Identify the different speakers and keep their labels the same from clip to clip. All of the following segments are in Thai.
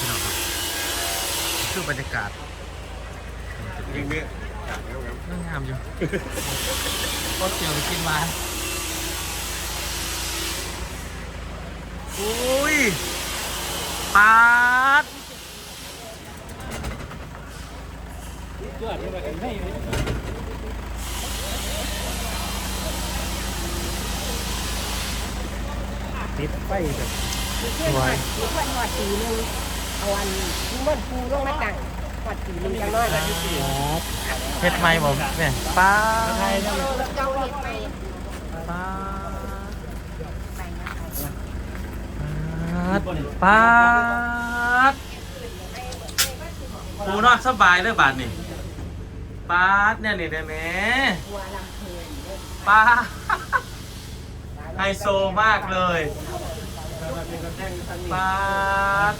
Speaker 1: พี่น้องครับคือบรรยากาศยังเนี่ยงามอยู่โคตรเจียวกินมาอุ้ยปาดติดไฟแบบสวย
Speaker 2: มีเพื่อนหอดสีนึงเอาวันเมื่อปูลงมาตั้งหอดสีนึงจังน้อย
Speaker 1: เฮ็ดไหมผมเนี่ยปาด
Speaker 2: เจ้าเห็ดไป
Speaker 1: ปาด
Speaker 2: ไปนะ
Speaker 1: ปาดปูนอนสบายเลยบาทนี่ปาดเนี่ยนี่ได้ไหม
Speaker 2: บัวลำเพลิน
Speaker 1: ปาดไฮโซมากเลยปาด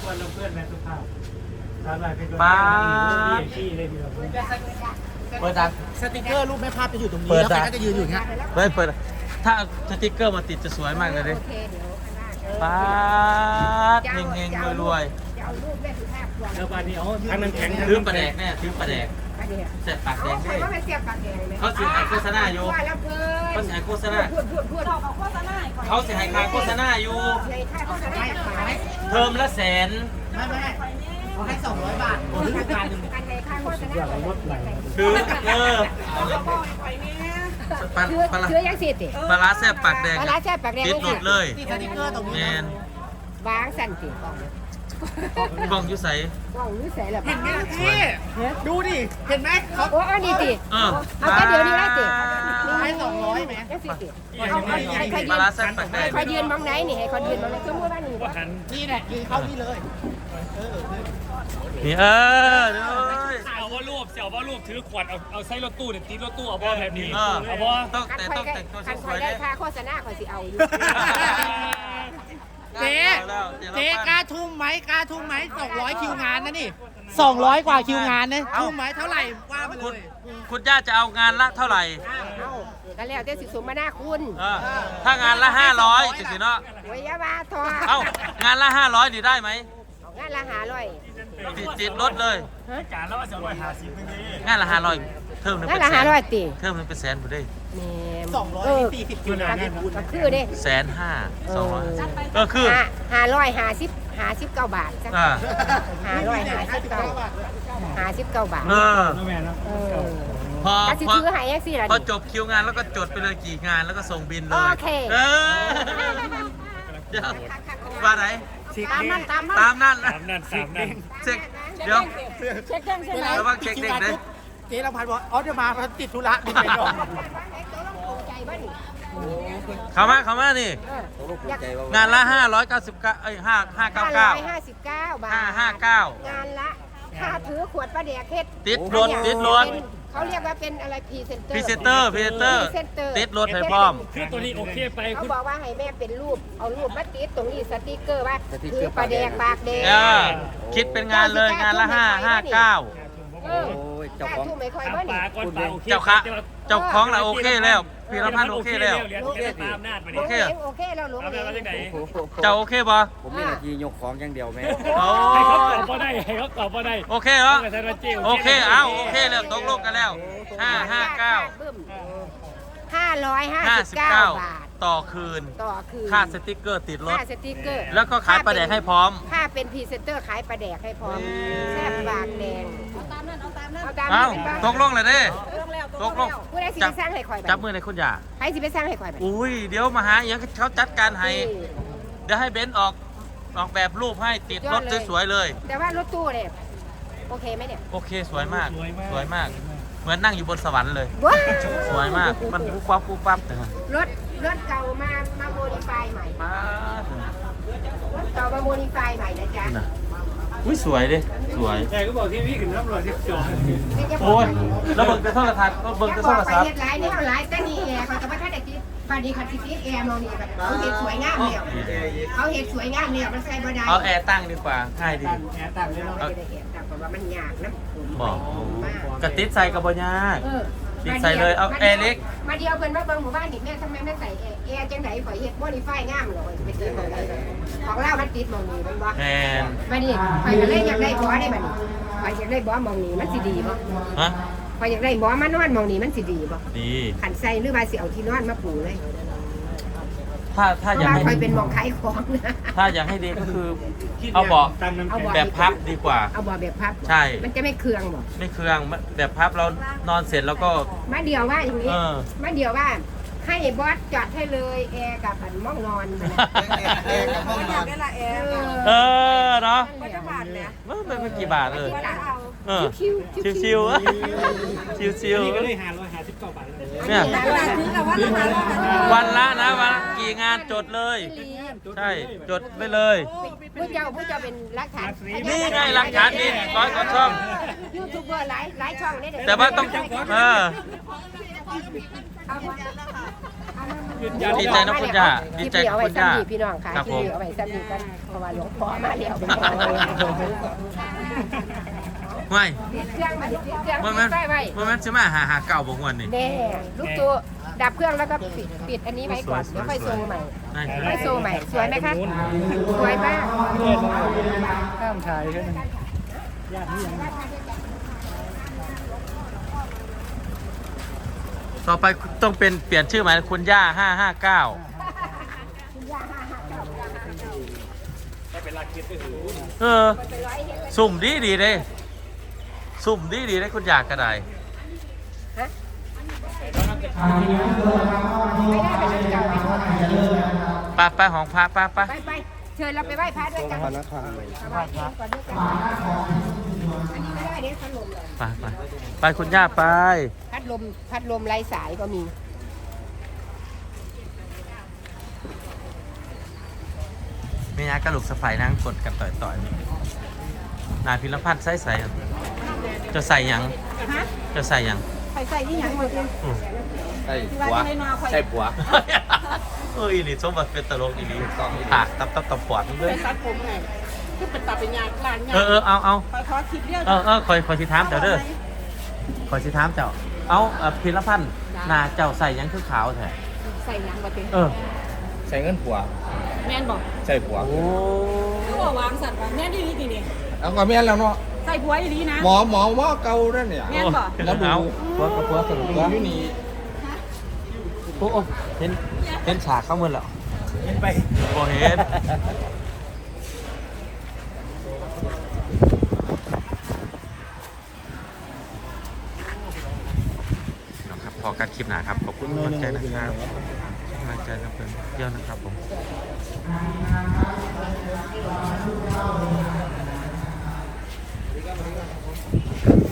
Speaker 1: ปาดเปิดดัง
Speaker 3: สติกเกอร์รูปแม่ภาพจะอยู่ตรงนี้
Speaker 1: เปิด
Speaker 3: แล้วใคร
Speaker 1: จ้ะ
Speaker 3: ก็จะยืนอยู่อย่างเงี้ย
Speaker 1: เปิดถ้าสติ๊กเกอร์มาติดจะสวยมากเลยดิ
Speaker 2: โอเคเดี๋ยวข้างหน้า
Speaker 1: ปาดเฮงๆรวย
Speaker 2: จะเอารูปแม่สุภาพวาง
Speaker 3: แล้วบานนี้อ๋อทางนั้นแข็ง
Speaker 1: ๆถือปลาแดกแน่ถือปลาแดก
Speaker 2: ประเดี๋ยว
Speaker 1: เสร็จปากแด
Speaker 2: เอา
Speaker 1: ง
Speaker 2: ใคร
Speaker 1: ด้วย
Speaker 2: ว่าเป็นเสียบปากแดงเลย
Speaker 1: เขาสิให้โฆษณาอยู่
Speaker 2: บัวลำเพลิ
Speaker 1: เขา
Speaker 2: น
Speaker 1: สิให้โฆษณา
Speaker 2: พูดเอาโฆษณา
Speaker 1: เขาสิให้ค่าโฆษณาอยู่
Speaker 2: ใช่ค่าโฆษณาขาย
Speaker 1: เทอมละแสน
Speaker 3: ไม่เขาให้200 บาทโอ้ยการหนึ่ง
Speaker 2: กันในค่าโฆษณา
Speaker 1: คือปลาปลา
Speaker 2: เชื่อยังสิติ
Speaker 1: ปลาร้าแซ่บปากแดง
Speaker 2: ปลาร้าแซ่บปากแดง
Speaker 1: ติดหลุดเลย
Speaker 3: ที่สติกเกอร์ตรง
Speaker 1: แม
Speaker 3: นี้
Speaker 1: น
Speaker 2: วางสั่นติกล่อง
Speaker 1: กล้องอยู่ใส
Speaker 2: กล่องรู้ใส่ละ
Speaker 3: เห็นไหมพี่ดูดิ เห็นไหมเขา
Speaker 2: โอ้อันนี้ติ
Speaker 1: เออ
Speaker 2: เอาแค่เดี๋ยวนี้ได้ติ
Speaker 3: ให้200ไหม
Speaker 2: ยังสิติเอาให้เขา
Speaker 1: ปลา
Speaker 2: ยื
Speaker 1: ร้าน แซ่บปากแดง
Speaker 2: ให้เขายืนมองไหนนี่ให้เขายืนมองไหนสมมติว่านี่
Speaker 3: นี่แหละยืนเข้านี่เลย
Speaker 1: นี่ด้วย
Speaker 4: เอาว่ารูปเสี่ยวว่ารูปถือขวดเอาใส่รถตู้เนี่ยตีรถตู้เอาบ่แบบนี้
Speaker 1: เออ
Speaker 4: เอาบ่
Speaker 1: ต้องแต่ต้องแต่งตัว
Speaker 2: คัน
Speaker 1: ส
Speaker 2: ค
Speaker 1: ว
Speaker 2: อย
Speaker 1: ยๆ
Speaker 2: ได้
Speaker 1: เนี่ย
Speaker 2: ค่าโฆษณาคอยสิเอาอยู่
Speaker 3: เจ๊กล้าทุ่มไหมกล้าทุ่มไหม200 คิวงานนะนี่200 กว่าคิวงานนะทุ่มไหมเท่าไหร่ว่ามาเล
Speaker 1: คุณ
Speaker 3: ย
Speaker 1: คุณย่าจะเอางานละเท่าไหร่
Speaker 2: เอากันแล้วแต่สิสมมาหน้าคุณ
Speaker 1: เออถ้างานละ500สิเนาะ
Speaker 2: โอ้ยอยาว่าทอ
Speaker 1: เอ้างานละ500นี่ได้ไหม
Speaker 2: งานละ500
Speaker 1: ติดรถเลย
Speaker 4: การแล้วว่าจะ150นึงนี่
Speaker 1: งานละ500เทอมหนึง
Speaker 2: งาน
Speaker 1: เป็น
Speaker 2: ละ
Speaker 1: แสน
Speaker 2: 500ติ
Speaker 1: เทอมหนึงเป็นแสนผู้ได้
Speaker 2: แม่
Speaker 3: 240คิวงาน
Speaker 2: ก็คือเด้
Speaker 1: 150,000 200ก็คือ
Speaker 2: 59 บาทจ้ะ
Speaker 1: อ่า
Speaker 2: 59บาท
Speaker 1: เออ
Speaker 4: แม่นะ
Speaker 2: เออ
Speaker 1: พอ
Speaker 2: ก็สิ
Speaker 1: พอ
Speaker 2: ถือให้จังซี่ล่ะ
Speaker 1: พอ
Speaker 2: นี่
Speaker 1: จบคิวงานแล้วก็จดไปเลยกี่งานแล้วก็ส่งบินเลย
Speaker 2: โอเค
Speaker 1: เออเดี๋ยวว่าไหน
Speaker 2: ตามนั้น
Speaker 1: ตามนั่นนะ
Speaker 4: ตามนั่นตามนั่น
Speaker 1: เช็คเดี๋ยว
Speaker 2: เช็คเครื่องใช่ไหม
Speaker 1: ระวังเช็คเด็กนะ
Speaker 3: เจ๊ลำพันธ์บอกอ๋อเดี๋ยวมาเพราะติดธุระนี่ไปดอก
Speaker 2: ใจบ้านี่
Speaker 1: เข้ามานี่
Speaker 2: อยาก
Speaker 1: งานละ599เอ้ย559
Speaker 2: 559 บาท
Speaker 1: 559
Speaker 2: งานละค่าถือขวดปลาแดกเฮ็ด
Speaker 1: ติดรถติดรถ
Speaker 2: เขาเรียกว่าเป็นอะไรพรีเซนเตอร์
Speaker 1: พรีเซนเตอร์ติดรถให้พร้อม
Speaker 4: คือตัวนี้โอเคไป
Speaker 2: เขา
Speaker 4: คุณ
Speaker 2: บอกว่าให้แม่เป็นรูปเอารูปมาติดตรงนี้สติกเกอร์ว่าคือปลาแดกปากแดง
Speaker 1: เออคิดเป็นงานเลยงานละ559
Speaker 2: เออเจ้าของทุ่มไม่ค่อยบ้า
Speaker 4: ป
Speaker 2: นี่
Speaker 4: ลาก้อนปลาโอเค
Speaker 1: เจ้าค่ะเจ้าของเราโอเคแล้วพี่รพันธ์โอเคแล้ว
Speaker 4: เหรียญตามนาดมา
Speaker 2: โอ
Speaker 4: ดิ
Speaker 2: เคโอเคแล้วหลวง
Speaker 4: เอา
Speaker 2: เอ
Speaker 4: แบบ
Speaker 2: ง
Speaker 4: ว่าจังไหน
Speaker 1: เจ้าโอเคบ่
Speaker 5: ผมมีหน้าที่ยกของอย่างเดียวแม่
Speaker 1: โอ้
Speaker 4: ให้เขาตอบบ่ได้ให้เขาตอบบ่ได้
Speaker 1: โอเคเหรอ
Speaker 4: ต้องกระทำเจ้า
Speaker 1: โอเคเอาโอเคแล้วตกลงกันแล้ว
Speaker 2: 559 บาท
Speaker 1: ต่อคืน
Speaker 2: ต่อคืน
Speaker 1: ค่าสติ๊กเกอร์ติดรถ
Speaker 2: ค่าสติกเกอร์
Speaker 1: แล้วก็ขายปลาแดกให้พร้อม
Speaker 2: ค่าเป็นพรีเซนเตอร์ขายปลาแดกให้พร้อมแซ่บปากแดงเอาตามนั้นเอาตามนั้น
Speaker 1: เอ้าตกลงเลยเด้ตกลง
Speaker 2: ผู้ใดสิไปสร้างให้ข่อย
Speaker 1: จับมือในคุณย่า
Speaker 2: ใครสิไปสร้างให้ข่อย
Speaker 1: อุ้ยเดี๋ยวมาหาอย่างเขาจัดการให้เดี๋ยวให้เบนซ์ออกแบบรูปให้ติดรถสวยๆเลย
Speaker 2: แต่ว่ารถตู้เนี่ยโอเคไหมเนี่ย
Speaker 1: โอเคสวยมากสวยมาก เหมือนนั่งอยู่บนสวรรค์เลย
Speaker 2: ว้า
Speaker 1: สวยมากมันปุ๊บปั๊บปุ๊บปั๊บแต่
Speaker 2: รถเก่ามาโมดิฟายใหม่
Speaker 1: ป้าร
Speaker 2: ถเก่ามาโมดิฟายใหม่นะจ๊ะ
Speaker 1: น่ะอุ้ยสวยดิสวย
Speaker 4: แต่ก็บอกที่พี่ขึ้นรับรองที่จอด
Speaker 1: โอ้ยแล้วเบิ่งแต่โทรทัศน์ก็เบิ่งแต่โทร
Speaker 2: ไป
Speaker 1: ศัพท์
Speaker 2: เฮ็ดหลายแนวหลายแต่นี่แอร์เขาจะมาท่านได้ติดบาดนี้คันสิติดแอร์มองนี่แบบเขาเห็ดสวยงามเนี่ยเขาเห็ดสวยงามเนี่ยมันใส่บ่ได้
Speaker 1: เอาแอร์ตั้งดีกว่าง่ายดี
Speaker 4: แอบต่างเลยเนาะ
Speaker 2: ไม่ได้แอร์แต่ว่ามันยากนะผม
Speaker 1: บอก
Speaker 2: มาก
Speaker 1: กระติดใส่กับบยาก
Speaker 2: เออ
Speaker 1: ปิดใส่เลยเอาแอร์เล็ก
Speaker 2: มาเดียวเพิ่นมาเบิ่งหมู่บ้านนี่แม่ทำไมไม่ใส่แอร์จังได๋ข่อยเฮ็ดโมดิฟายงามเลยไปติดหม่องใดของเรามันติดหม่องนี้มันบ่
Speaker 1: แมน
Speaker 2: บัดนี้ข่อยก็เลยอยากได้บ่ได้บัดนี้ข่อยอยากได้บ่หม่องนี้มันสิดีบ่
Speaker 1: ฮะ
Speaker 2: ข่อยอยากได้บ่มานอนหม่องนี้มันสิดีบ่
Speaker 1: ดี
Speaker 2: ขันใส่หรือว่าสิเอาที่นอนมาปูเลย
Speaker 1: ถ้า
Speaker 2: เพ
Speaker 1: อยาก
Speaker 2: ราะว่า
Speaker 1: ให้
Speaker 2: ข่อยเป็นหม่องขายของนะ
Speaker 1: ถ้าอยากให้ดีก็คือเอาเบาะ
Speaker 2: เอาเบาะ
Speaker 1: แบบพับดีกว่า
Speaker 2: เอาบ่แบบพับ
Speaker 1: ใช่
Speaker 2: มันจะไม่เคืองบ่
Speaker 1: ไม่เครื่องแบบพับเรานอนเสร็จแล้วก็
Speaker 2: มาเดียวว่าอย่างนี้
Speaker 1: เออ
Speaker 2: มาเดียวว่าให้บอสจัดให้เลยแอร์กับอันม่องนอน
Speaker 5: แอร์กับห้องนอน
Speaker 1: เออเนาะ
Speaker 2: ก็จะบาทเนี่ย
Speaker 1: ไม่เป็นกี่บาทเลยเออ
Speaker 2: คิว
Speaker 1: ชิวๆชิว
Speaker 4: นี่ก็
Speaker 1: ๆ
Speaker 4: เลย559 บาทแล้ว
Speaker 1: เนี่ยวันละนะวันละกี่งานจดเลย ใช่จดไปเลย
Speaker 2: ผู้เจ้าเป็นรักฐาน
Speaker 1: นี่ไงหลักฐานนี่ร้อยกว่าช่อง
Speaker 2: ยูทูบเบอร์หลายช่องนี่เดี๋ยว
Speaker 1: แต่ว่าต้องดีใจนะคุณย่าดีใจกับคุณย่า
Speaker 2: พี่น้องค่ะ
Speaker 1: ครับ
Speaker 2: ที่
Speaker 1: ผม
Speaker 2: เอาไว้ซ้ำดีกันเพราะว่าหลวงพ่อมาแล้ว
Speaker 1: ไม่
Speaker 2: เครื่องมาเครื่อง
Speaker 1: มันมัน
Speaker 2: ไฟไว้
Speaker 1: มันจะมาหาเก่าบางวันนี่
Speaker 2: แน่ลูกตัวดับเครื่องแล้วก็ปิดอันนี้ไว้ก่อนเดี๋ยวค่อยโซใหม่
Speaker 1: ได้
Speaker 2: ค่อยโซใหม่สวยไหมคะสวยมาก
Speaker 3: ข้ามถ่ายแค่นั้น
Speaker 1: ต่อไปต้องเป็นเปลี่ยนชื่อใหม่คุณย่า559เออสุ่มดีเลยสุ่มดีเลยคุณอยากกระได
Speaker 2: ไม่ได้ไปชุดเก่าไปทั่วไป
Speaker 1: ไปของพระไป
Speaker 2: ไปเชิญเราไปไหว้พระด้วยกันไหว้พระก่อนด้วยกันอันนี้ไม่ได้เนี่ยพัดลมเลย
Speaker 1: ไปคุณย่าไป
Speaker 2: พัดลมไร้สายก็มี
Speaker 1: เมียกระลุกสะไฟนั่งกดกันต่อยนายพิรพัฒน์ใส่จะใส่ยัง
Speaker 2: ฮะ
Speaker 1: จะใส่ยัง
Speaker 2: ใส่ที่หยังหมดเลย
Speaker 5: ใช่ผัวใช่ผัว
Speaker 1: เอออีนี่สมบัติเป็นตลกอีนี่ถากตับปอดมึงด้วย
Speaker 6: ตัดผมไงคือเป็นตัดเป็นยางลานยาง
Speaker 1: เอา
Speaker 6: คอยคิดเรื่อง
Speaker 1: คอยสิถามเจ้าเด้อคอยสิถามเจ้าเอาพิรพัฒน์นาเจ้าใส่ยังคือขาวแท้
Speaker 2: ใส่หยังบ่เต็ม
Speaker 5: ใส่เงินผัว
Speaker 6: แม่นบอก
Speaker 5: ใช่ผัว
Speaker 1: โอ้
Speaker 6: คือว่าวางสัตว์ว่าแม่นดีดีนี่
Speaker 5: เอาก็แม่นแล้วเนาะ
Speaker 6: ใส่ผัวดีนะ
Speaker 5: หมอว่าเก่านั่นเนี่ย
Speaker 6: แม่นบอก
Speaker 1: แล้วเอาพวกสรุปว่า
Speaker 5: อยู่นี่
Speaker 1: โอ้เห็นฉากเข้ามือแล้ว
Speaker 5: เห็นไป
Speaker 1: โอ้เห็นนะครับพอการคลิปหนาครับขอบคุณกำลังใจนะครับกำลังใจนะเพื่อนเยอะนะครับผม